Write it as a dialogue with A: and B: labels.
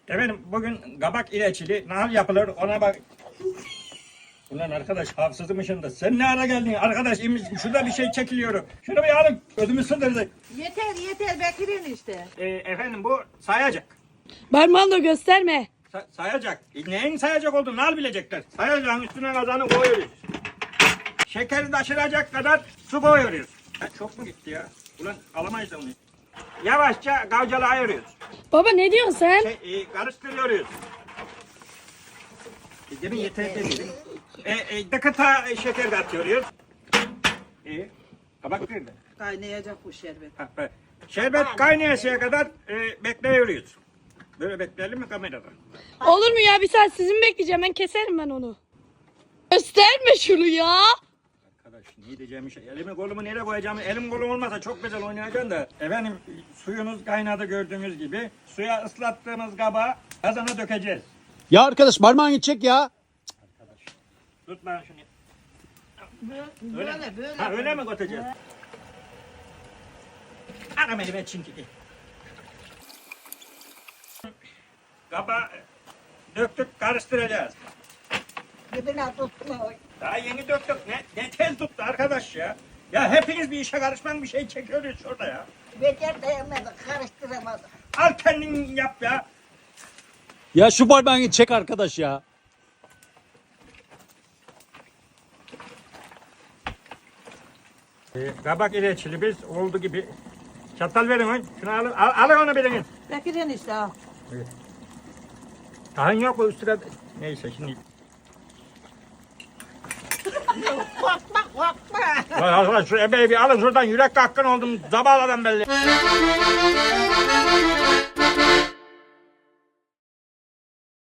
A: Efendim bugün kabak ileçili nahal yapılır ona bak. Ulan arkadaş hafızımışın da sen ne ara geldin arkadaş şurada bir şey çekiliyor. Şunu bir alın ödümü sındırdı.
B: Yeter Bekir'in işte.
A: Efendim bu sayacak.
C: Parmağını gösterme.
A: Sayacak. Neyin sayacak olduğunu nal bilecekler. Sayacağın üstüne kazanı koyuyoruz. Şekeri taşıracak kadar su koyuyoruz. Çok mu gitti ya? Ulan alamayız da onu. Yavaşça kavcalı ayırıyoruz.
C: Baba ne diyorsun sen?
A: Karıştırıyoruz. Demin yeter dedim. Dakika şeker de atıyoruz. Kabak nerede?
B: Kaynayacak bu şerbet.
A: Şerbet kaynayasıya kadar bekliyoruz. Böyle bekleyelim mi kamerada?
C: Olur mu ya, bir saat sizi mi bekleyeceğim, ben keserim ben onu. Gösterme şunu ya.
A: Arkadaş ne diyeceğim şey. Elimi kolumu nereye koyacağımı elim kolum olmasa çok güzel oynayacaksın da. Efendim suyumuz kaynadı gördüğünüz gibi. Suya ıslattığımız kabağı kazana dökeceğiz.
D: Ya arkadaş parmağın gidecek ya.
A: Arkadaş tut lan şunu.
B: Böyle.
A: Ha öyle mi götüreceğiz? Anam elime çünkü. Kabağı döktük karıştıracağız.
B: Dibine tutma.
A: Daha yeni döktük. Ne tez tuttu arkadaş ya. Ya hepiniz bir işe karışman bir şey çekiyoruz şurada ya.
B: Becer dayanamadık, karıştıramadık.
A: Al kendin yap ya.
D: Ya şu parmağın gidecek arkadaş ya.
A: Kabak ileçili biz oldu gibi. Çatal verin lan. Şunu alın. Alın onu birinin.
B: Bekir'in işte al.
A: Tahin yok mu üstüne? Neyse şimdi. Lan arkadaş şu ebeği bir alın şuradan yürek hakkın oldum. Zabaladan belli.